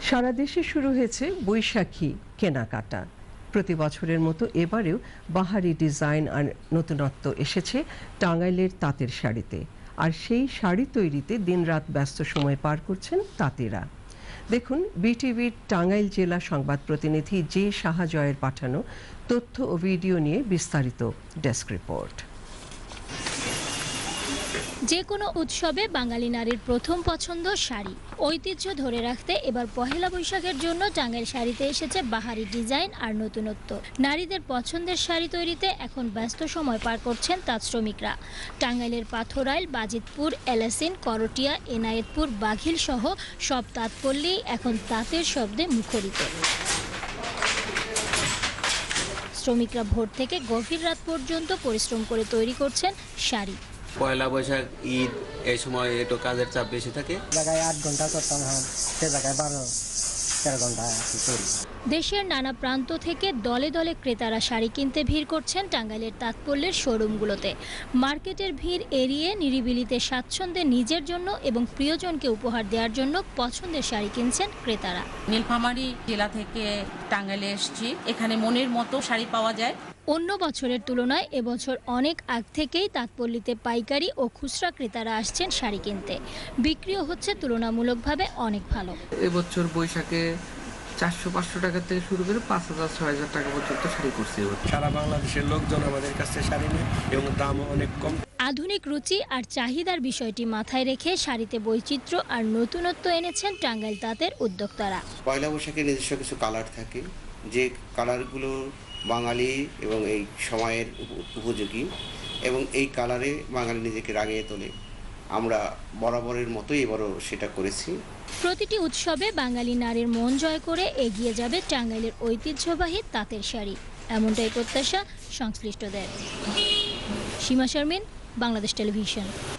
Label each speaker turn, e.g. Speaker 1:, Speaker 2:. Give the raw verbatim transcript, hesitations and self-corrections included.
Speaker 1: সারা দেশে শুরু হয়েছে বৈশাখী কেনাকাটা। প্রতি বছরের মতো এবারেও বাহারি ডিজাইন আর নতুনত্ব এসেছে টাঙ্গাইলের তাঁতের শাড়িতে। আর সেই শাড়ি তৈরিতে দিনরাত ব্যস্ত সময় পার করছেন তাঁতিরা। দেখুন বিটিভির টাঙ্গাইল জেলা সংবাদ প্রতিনিধি জে শাহজয়ের পাঠানো তথ্য ও ভিডিও নিয়ে বিস্তারিত ডেস্ক রিপোর্ট।
Speaker 2: যে কোনো উৎসবে বাঙালি নারীর প্রথম পছন্দ শাড়ি। ঐতিহ্য ধরে রাখতে এবার পহেলা বৈশাখের জন্য টাঙ্গাইল শাড়িতে এসেছে বাহারি ডিজাইন আর নতুনত্ব। নারীদের পছন্দের শাড়ি তৈরিতে এখন ব্যস্ত সময় পার করছেন তাঁত শ্রমিকরা। টাঙ্গাইলের পাথরাইল, বাজিতপুর, এলাসিন, করটিয়া, এনায়েতপুর, বাঘিল সহ সব তাঁতপল্লী এখন তাঁতের শব্দে মুখরিত। শ্রমিকরা ভোর থেকে গভীর রাত পর্যন্ত পরিশ্রম করে তৈরি করছেন শাড়ি।
Speaker 3: পয়লা বৈশাখ, ঈদ, এই সময় একটু কাজের চাপ বেশি থাকে।
Speaker 4: জায়গায় আট ঘন্টা করতাম, হ্যাঁ সে জায়গায় বারো তেরো ঘন্টা।
Speaker 2: দেশের নানা প্রান্ত থেকে দলে দলে ক্রেতারা শাড়ি কিনতে ভিড় করছেন টাঙ্গাইলের তাঁতপল্যের শোরুমগুলোতে। মার্কেটের ভিড় এড়িয়ে নিরিবিলিতে স্বাচ্ছন্দ্যে নিজের জন্য এবং প্রিয়জনকে উপহার দেওয়ার জন্য পছন্দের শাড়ি কিনছেন ক্রেতারা।
Speaker 5: নীলফামারী জেলা থেকে টাঙ্গাইলে এসেছি, এখানে মনের মতো শাড়ি পাওয়া যায়।
Speaker 2: অন্য বছরের তুলনায় এবছর অনেক আগ থেকেই তাঁতপল্লীতে পাইকারি ও খুচরা ক্রেতারা আসছেন শাড়ি কিনতে। বিক্রিও হচ্ছে তুলনামূলকভাবে অনেক ভালো।
Speaker 6: এবছর বৈশাখে চারশো পাঁচশো টাকা থেকে শুরু করে পাঁচ হাজার ছয় হাজার টাকা পর্যন্ত শাড়ি করছে।
Speaker 7: সারা বাংলাদেশের লোকজন আমাদের কাছে শাড়ি নেয় এবং দামও অনেক কম।
Speaker 2: আধুনিক রুচি আর চাহিদার বিষয়টি মাথায় রেখে শাড়িতে বৈচিত্র্য আর নতুনত্ব এনেছেন টাঙ্গাইল তাঁতের উদ্যোক্তারা।
Speaker 8: পয়লা বৈশাখে নিজস্ব কিছু কালার থাকে, যে কালারগুলো বাঙালি এবং এই সময়ের উপযোগী, এবং এই কালারে বাঙালি নিজেকে রাঙিয়ে তোলে। আমরা বরাবরের মতোই এবারও সেটা করেছি।
Speaker 2: প্রতিটি উৎসবে বাঙালি নারীর মন জয় করে এগিয়ে যাবে টাঙ্গাইলের ঐতিহ্যবাহী তাঁতের শাড়ি, এমনটাই প্রত্যাশা সংশ্লিষ্টদের। সীমা শারমিন, বাংলাদেশ টেলিভিশন।